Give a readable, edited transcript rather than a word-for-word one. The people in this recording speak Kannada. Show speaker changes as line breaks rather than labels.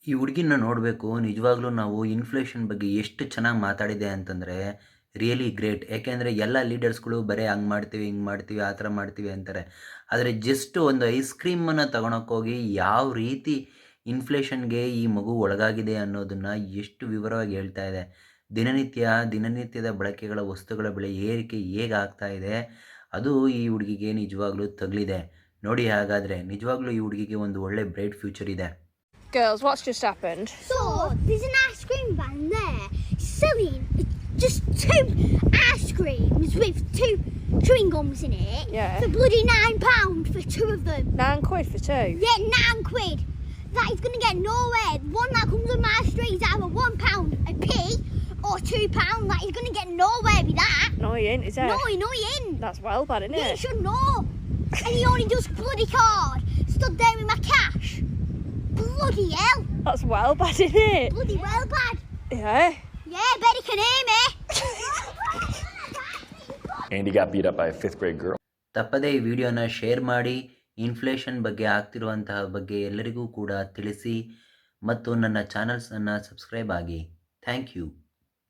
ಈ ಹುಡುಗಿನ ನೋಡಬೇಕು. ನಿಜವಾಗ್ಲೂ ನಾವು ಇನ್ಫ್ಲೇಷನ್ ಬಗ್ಗೆ ಎಷ್ಟು ಚೆನ್ನಾಗಿ ಮಾತಾಡಿದೆ ಅಂತಂದರೆ ರಿಯಲಿ ಗ್ರೇಟ್. ಯಾಕೆಂದರೆ ಎಲ್ಲ ಲೀಡರ್ಸ್ಗಳು ಬರೀ ಹಂಗೆ ಮಾಡ್ತೀವಿ, ಹಿಂಗೆ ಮಾಡ್ತೀವಿ, ಆ ಥರ ಮಾಡ್ತೀವಿ ಅಂತಾರೆ. ಆದರೆ ಜಸ್ಟ್ ಒಂದು ಐಸ್ ಕ್ರೀಮನ್ನು ತಗೊಳಕ್ಕೋಗಿ ಯಾವ ರೀತಿ ಇನ್ಫ್ಲೇಷನ್‌ಗೆ ಈ ಮಗು ಒಳಗಾಗಿದೆ ಅನ್ನೋದನ್ನು ಎಷ್ಟು ವಿವರವಾಗಿ ಹೇಳ್ತಾ ಇದೆ. ದಿನನಿತ್ಯದ ಬಳಕೆಗಳ ವಸ್ತುಗಳ ಬೆಲೆ ಏರಿಕೆ ಹೇಗೆ ಆಗ್ತಾ ಇದೆ, ಅದು ಈ ಹುಡುಗಿಗೆ ನಿಜವಾಗ್ಲೂ ತಗುಲಿದೆ. ನೋಡಿ ಹಾಗಾದರೆ ನಿಜವಾಗ್ಲೂ ಈ ಹುಡುಗಿಗೆ ಒಂದು ಒಳ್ಳೆ ಬ್ರೈಟ್ ಫ್ಯೂಚರ್ ಇದೆ.
Girls, what's just happened?
So, there's an ice cream van there selling just 2 ice creams with 2 chewing gums in it.
Yeah.
For bloody £9 for 2 of them.
£9 for 2?
Yeah, £9. That is going to get nowhere. One that comes on my street is either £1 a p or £2. That is going to get nowhere with that.
No, he ain't, is it?
No, he ain't.
That's well bad, isn't
Yeah, you
it?
should know. And he only does bloody card. Stood there with my cash. Bloody hell.
That's well bad, isn't it?
Bloody well bad.
Yeah.
Yeah, bet he can hear me.
Andy got beat up by a 5th grade girl.
ತಪ್ಪದೇ ಈ ವಿಡಿಯೋನ ಶೇರ್ ಮಾಡಿ, ಇನ್ಫ್ಲೇಷನ್ ಬಗ್ಗೆ ಆಗ್ತಿರುವಂತಹ ಬಗ್ಗೆ ಎಲ್ಲರಿಗೂ ಕೂಡ ತಿಳಿಸಿ ಮತ್ತು ನನ್ನ ಚಾನಲ್ಸನ್ನು ಸಬ್ಸ್ಕ್ರೈಬ್ ಆಗಿ. Thank you.